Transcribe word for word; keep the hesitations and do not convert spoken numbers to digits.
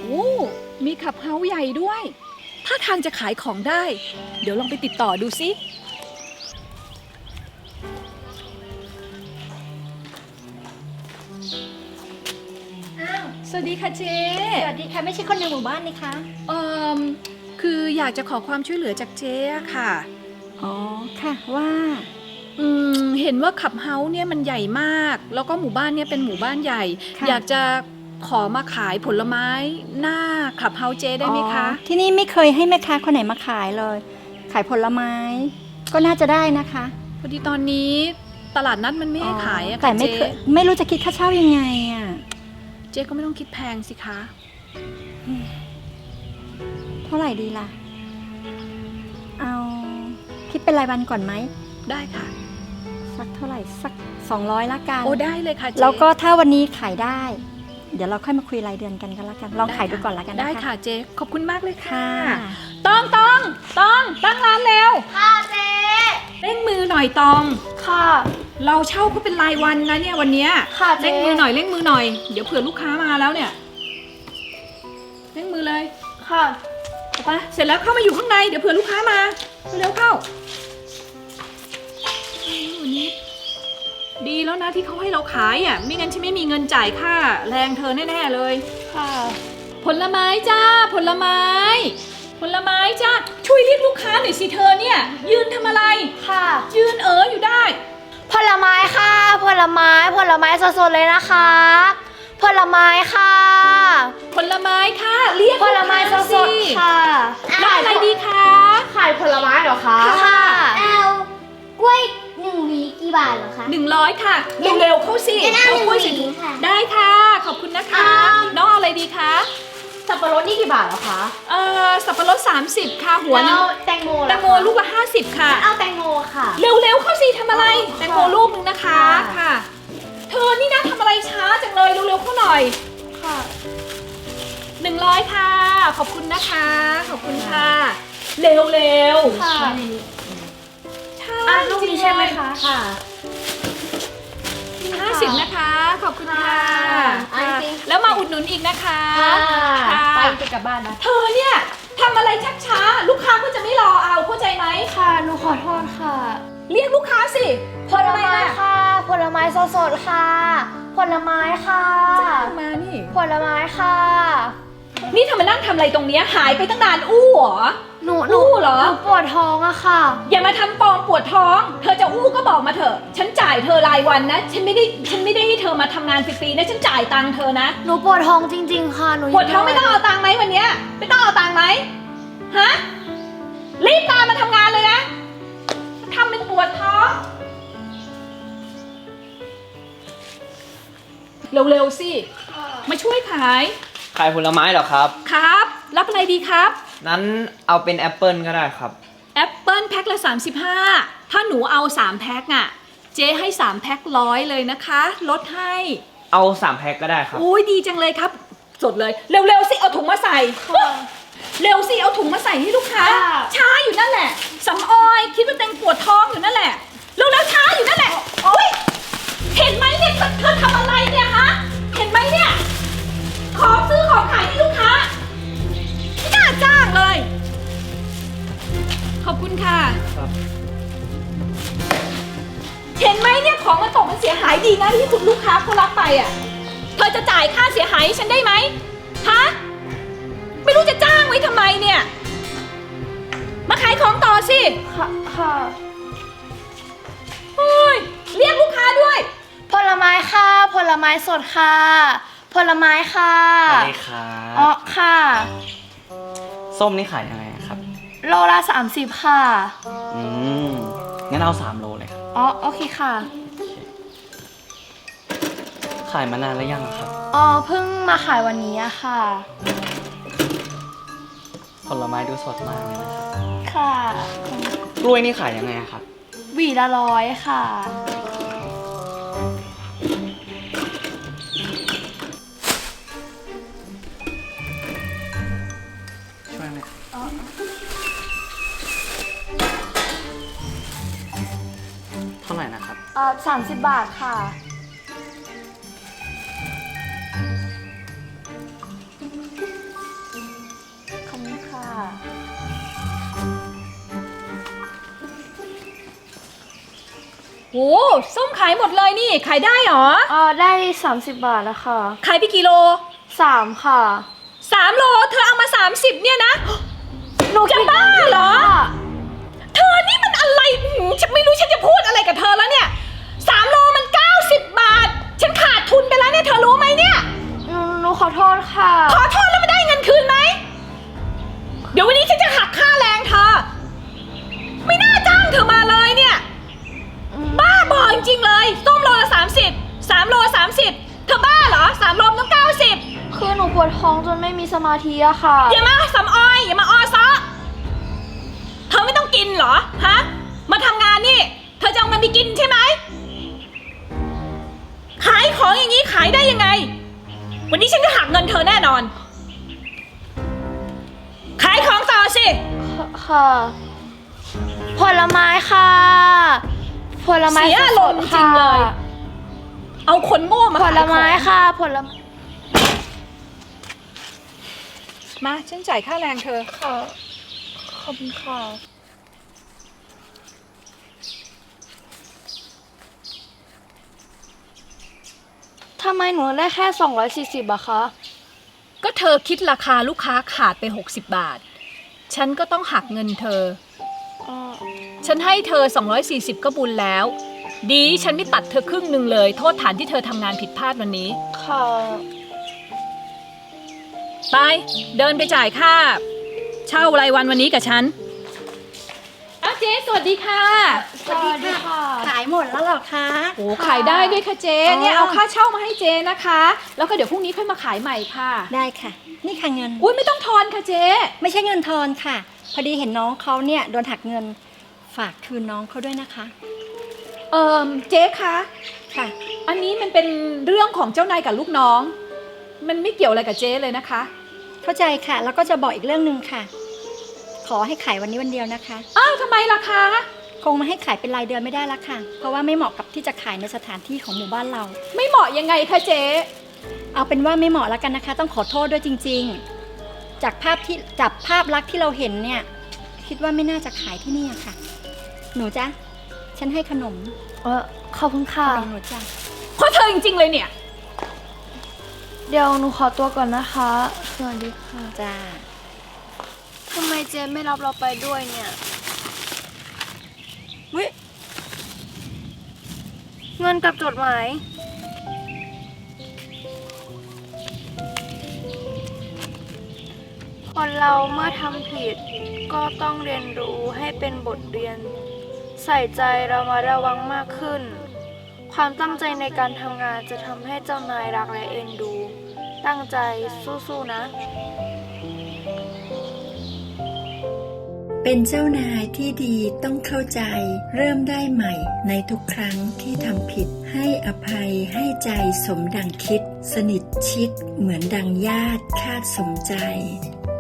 โอ้มีขับเฮาส์ใหญ่ด้วยถ้าทางจะขายของได้เดี๋ยวลองไปติดต่อดูสิอ้าวสวัสดีค่ะเจ๊สวัสดีค่ะไม่ใช่คนในหมู่บ้านนี่คะเอ่อคืออยากจะขอความช่วยเหลือจากเจ๊อะค่ะอ๋อค่ะว่าอืมเห็นว่าขับเฮาส์เนี่ยมันใหญ่มากแล้วก็หมู่บ้านเนี่ยเป็นหมู่บ้านใหญ่อยากจะขอมาขายผลไม้หน้าขับเฮาส์เจ๊ได้ไหมคะที่นี่ไม่เคยให้แม่ค้าคนไหนมาขายเลยขายผลไม้ก็น่าจะได้นะคะพอดีตอนนี้ตลาดนัดมันไม่ให้ขายอะค่ะแต่ไม่เคยไม่รู้จะคิดค่าเช่ายังไงอะเจ๊ก็ไม่ต้องคิดแพงสิคะเท่าไหร่ดีล่ะเอาคิดเป็นรายวันก่อนไหมได้ค่ะสักเท่าไหร่สักสองร้อยละกันโอ้ได้เลยค่ะเจ๊แล้วก็ถ้าวันนี้ขายได้เดี๋ยวเราค่อยมาคุยรายเดือนกันกันละกันลองขายดูก่อนละกันนะคะได้ค่ะเจ๊ขอบคุณมากเลยค่ะค่ะต้องต้องต้องตั้งร้านเร็วค่ะเจ๊เร่งมือหน่อยตองค่ะเราเช่าเขาเป็นรายวันนะเนี่ยวันเนี้ยค่ะเจ๊เร่งมือหน่อยเร่งมือหน่อยเดี๋ยวเผื่อลูกค้ามาแล้วเนี่ยเร่งมือเลยค่ะไปเสร็จแล้วเข้ามาอยู่ข้างในเดี๋ยวเผื่อลูกค้ามาเร็วเข้าวันนี้ดีแล้วนะที่เขาให้เราขายอ่ะไม่งั้นฉันไม่มีเงินจ่ายค่าแรงเธอแน่ๆเลยค่ะผลไม้จ้าผลไม้ผลไม้จ้าช่วยเรียกลูกค้าหน่อยสิเธอเนี่ยยืนทำอะไรค่ะยืนเอออยู่ได้ผลไม้ค่ะผลไม้ผลไม้สดๆเลยนะคะผลไม้ค่ะผลไม้ค่ะเรียกผลไม้สดๆค่ะรับอะไรดีคะขายผลไม้เหรอคะค่ะเอากล้วยหนึ่งหวีกี่บาทเหรอคะหนึ่งร้อยค่ะเร็วๆเข้าสิเอากล้วยสิถุงได้ค่ะขอบคุณนะคะน้องเอาอะไรดีคะสับปะรดนี่กี่บาทเหรอคะเอ่อสับปะรดสามสิบค่ะหัวนึงแตงโมแตงโมลูกละห้าสิบค่ะเอาแตงโมค่ะเร็วๆเข้าสิทำอะไรแตงโมลูกนึงนะคะค่ะเธอนี่นะทำอะไรช้าจังเลยเร็วๆเข้าหน่อยค่ะหนึ่งร้อยค่ะขอบคุณนะคะขอบคุณค่ะเร็วๆค่ะอ่ะลูกนี้ใช่ไหมคะค่ะห้าสิบนะคะขอบคุณค่ะแล้วมาอุดหนุนอีกนะคะค่ะไปจะกลับบ้านนะเธอเนี่ยทำอะไรชักช้าลูกค้าก็จะไม่รอเอาเข้าใจไหมค่ะหนูขอโทษค่ะเรียกลูกค้าสิผลไม้ค่ะผลไม้สดๆค่ะผลไม้ค่ะจ้างมานี่ผลไม้ค่ะนี่เธอมานั่งทำอะไรตรงนี้หายไปตั้งนานอู้เหรอหนูหนูเหรอหนูปวดท้องอะค่ะอย่ามาทำปลอมปวดท้องเธอจะอู้ก็บอกมาเถอะฉันจ่ายเธอรายวันนะฉันไม่ได้ฉันไม่ได้ให้เธอมาทำงานฟรีๆนะฉันจ่ายตังค์เธอนะหนูปวดท้องจริงๆค่ะหนูปวดท้องไม่ต้องเอาตังค์ไหมวันนี้ไม่ต้องเอาตังค์ไหมฮะรีบตามมาทำงานเลยนะทำเป็นปวดท้องเร็วๆสิมาช่วยขายขายผลไม้เหรอครับครับรับอะไรดีครับนั้นเอาเป็นแอปเปิลก็ได้ครับแอปเปิลแพ็คละสามสิบห้าถ้าหนูเอาสามแพ็คอ่ะเจ๊ให้สามแพ็คร้อยเลยนะคะลดให้เอาสามแพ็คก็ได้ครับอุ้ยดีจังเลยครับสดเลยเร็วๆสิเอาถุงมาใส่เร็วสิเอาถุงมาใส่ให้ลูกค้าช้าอยู่นั่นแหละสำออยคิดว่าเต็งปวดท้องอยู่นั่นแหละเร็วๆช้าอยู่นั่นแหละโอ๊ยเห็นไหมเนี่ยเธอทำอะไรเนี่ยฮะเห็นไหมเนี่ยของซื้อของขายให้ลูกค้าไม่น่าจ้างเลยขอบคุณค่ะครับเห็นไหมเนี่ยของมันตกมันเสียหายดีนะที่คุณลูกค้าเขารับไปอ่ะเธอจะจ่ายค่าเสียหายให้ฉันได้ไหมฮะไม่รู้จะจ้างไว้ทำไมเนี่ยมาขายของต่อสิค่ะค่ะโอ้ยเรียกลูกค้าด้วยผลไม้ค่ะผลไม้สดค่ะผลไม้ค่ะสวัสดีครับอ๋อค่ะส้มนี่ขายยังไงครับโลละสามสิบค่ะอืมงั้นเอาสามโลเลยครับอ๋อโอเคค่ะขายมานานแล้วยังครับอ๋อเพิ่งมาขายวันนี้อะค่ะผลไม้ดูสดมากเลยนะครับค่ะกล้วยนี่ขายยังไงครับหวีละร้อยค่ะช่วยไหมเท่าไหร่นะครับอ่าสามสิบบาทค่ะโอ้ส้มขายหมดเลยนี่ขายได้เหรอเออได้สามสิบบาทแล้วค่ะขายไปกี่โลสามค่ะสามโลเธอเอามาสามสิบเนี่ยนะหนูจะบ้าเหรอ เธอนี่มันอะไรหืมฉันไม่รู้ฉันจะพูดอะไรกับเธอแล้วเนี่ยสามโลมันเก้าสิบบาท ฉันขาดทุนไปแล้วเนี่ยเธอรู้ไหมเนี่ยหนูหนูขอโทษค่ะขอโทษแล้วไม่ได้เงินคืนไหม เดี๋ยววันนี้ฉันจะหักค่าแรงเธอ ไม่น่าจ้างเธอมาเลยเนี่ย บ้าบอจริงๆเลยส้มโลละสามสิบสามโลสามสิบเธอบ้าเหรอสามโลต้องเก้าสิบคือหนูปวดท้องจนไม่มีสมาธิอะค่ะอย่ามาสำออยอย่ามาออซะเธอไม่ต้องกินเหรอฮะมาทำงานนี่ เธอจะเอาเงินไปกินใช่ไหมขายของอย่างนี้ขายได้ยังไง วันนี้ฉันจะหักเงินเธอแน่นอน ขายของต่อสิค่ะ ผลไม้ค่ะ ผลไม้เสียอารมณ์จริงเลย เอาคนโง่มาผขายลของไม้ค่ะ ผลไม้มาฉันจ่ายค่าแรงเธอค่ะ ขอบคุณค่ะ ทำไมหนูได้แค่สองร้อยสี่สิบอะคะก็เธอคิดราคาลูกค้าขาดไปหกสิบบาท ฉันก็ต้องหักเงินเธอ ฉันให้เธอสองร้อยสี่สิบก็บุญแล้ว ดีฉันไม่ตัดเธอครึ่งหนึ่งเลย โทษฐานที่เธอทำงานผิดพลาดวันนี้ค่ะไป เดินไปจ่ายค่า เช่ารายวันวันนี้กับฉันอ้าวเจ๊สวัสดีค่ะสวัสดีค่ะขายหมดแล้วเหรอคะโอ้ขายได้ด้วยค่ะเจ๊อ๋อเนี่ยเอาค่าเช่ามาให้เจ๊นะคะ แล้วก็เดี๋ยวพรุ่งนี้ค่อยมาขายใหม่ค่ะได้ค่ะ นี่ค่ะเงินอุ้ยไม่ต้องทอนค่ะเจ๊ไม่ใช่เงินทอนค่ะ พอดีเห็นน้องเขาเนี่ยโดนหักเงิน ฝากคืนน้องเขาด้วยนะคะเอ่อเจ๊คะค่ะอันนี้มันเป็นเรื่องของเจ้านายกับลูกน้อง มันไม่เกี่ยวอะไรกับเจ๊เลยนะคะเข้าใจค่ะ แล้วก็จะบอกอีกเรื่องหนึ่งค่ะ ขอให้ขายวันนี้วันเดียวนะคะอ้าวทำไมล่ะคะคงมาให้ขายเป็นรายเดือนไม่ได้ละค่ะ เพราะว่าไม่เหมาะกับที่จะขายในสถานที่ของหมู่บ้านเราไม่เหมาะยังไงคะเจ๊เอาเป็นว่าไม่เหมาะแล้วกันนะคะ ต้องขอโทษด้วยจริงๆ จากภาพที่จับภาพลักษณ์ที่เราเห็นเนี่ย คิดว่าไม่น่าจะขายที่นี่อะค่ะ หนูจ๊ะ ฉันให้ขนมเออขอบคุณขค่ะนมหนูจ้ะเพราะเธอจริงๆเลยเนี่ยเดี๋ยวหนูขอตัวก่อนนะคะ สวัสดีค่ะจ้าทำไมเจมไม่รับเราไปด้วยเนี่ยวิเงินกับจดหมาย คนเราเมื่อทำผิด ก็ต้องเรียนรู้ให้เป็นบทเรียน ใส่ใจเรามาระวังมากขึ้น ความตั้งใจในการทำงานจะทำให้เจ้านายรักและเอ็นดู ตั้งใจสู้ๆนะเป็นเจ้านายที่ดีต้องเข้าใจ เริ่มได้ใหม่ในทุกครั้งที่ทำผิด ให้อภัยให้ใจสมดังคิด สนิทชิดเหมือนดังญาติคาดสมใจ